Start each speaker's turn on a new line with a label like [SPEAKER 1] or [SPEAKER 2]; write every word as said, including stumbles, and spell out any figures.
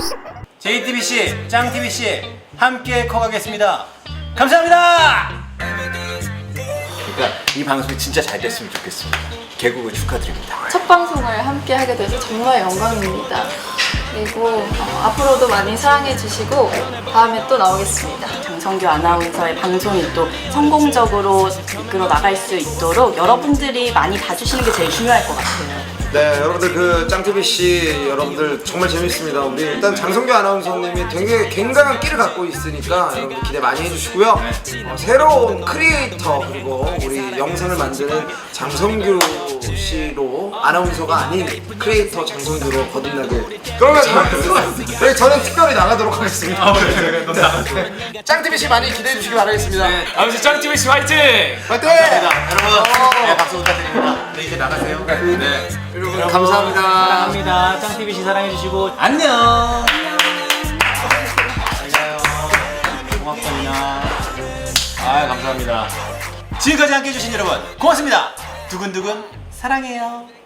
[SPEAKER 1] 제이티비씨, 짱티비씨 함께 커가겠습니다. 감사합니다. 그러니까 이 방송이 진짜 잘 됐으면 좋겠습니다. 개국을 축하드립니다.
[SPEAKER 2] 첫 방송을 함께 하게 돼서 정말 영광입니다. 그리고 어, 앞으로도 많이 사랑해 주시고 다음에 또 나오겠습니다.
[SPEAKER 3] 장성규 아나운서의 방송이 또 성공적으로 이끌어 나갈 수 있도록 여러분들이 많이 봐주시는 게 제일 중요할 것 같아요.
[SPEAKER 4] 네, 여러분들 그 짱티비씨 여러분들 정말 재밌습니다. 우리 일단 장성규 아나운서님이 되게 굉장한 끼를 갖고 있으니까 여러분들 기대 많이 해주시고요. 어, 새로운 크리에이터 그리고 우리 영상을 만드는 장성규 씨로 아나운서가 아닌 크리에이터 장성규로 거듭나길. 그러면 저희 저는 특별히 나가도록 하겠습니다.
[SPEAKER 1] 아, 그래, 그래, 너 나가줘.
[SPEAKER 4] 짱티비씨 많이 기대해 주시기 바라겠습니다.
[SPEAKER 1] 네, 아무튼 짱티비씨 화이팅!
[SPEAKER 4] 화이팅!
[SPEAKER 1] 감사합니다. 여러분, 네, 박수 부탁드립니다. 네, 이제 나가세요. 네.
[SPEAKER 4] 여러분 감사합니다.
[SPEAKER 1] 사랑합니다. 짱티비씨 사랑해주시고 안녕. 잘 가요. 고맙다 민아. 아 감사합니다. 지금까지 함께해 주신 여러분 고맙습니다. 두근두근 사랑해요.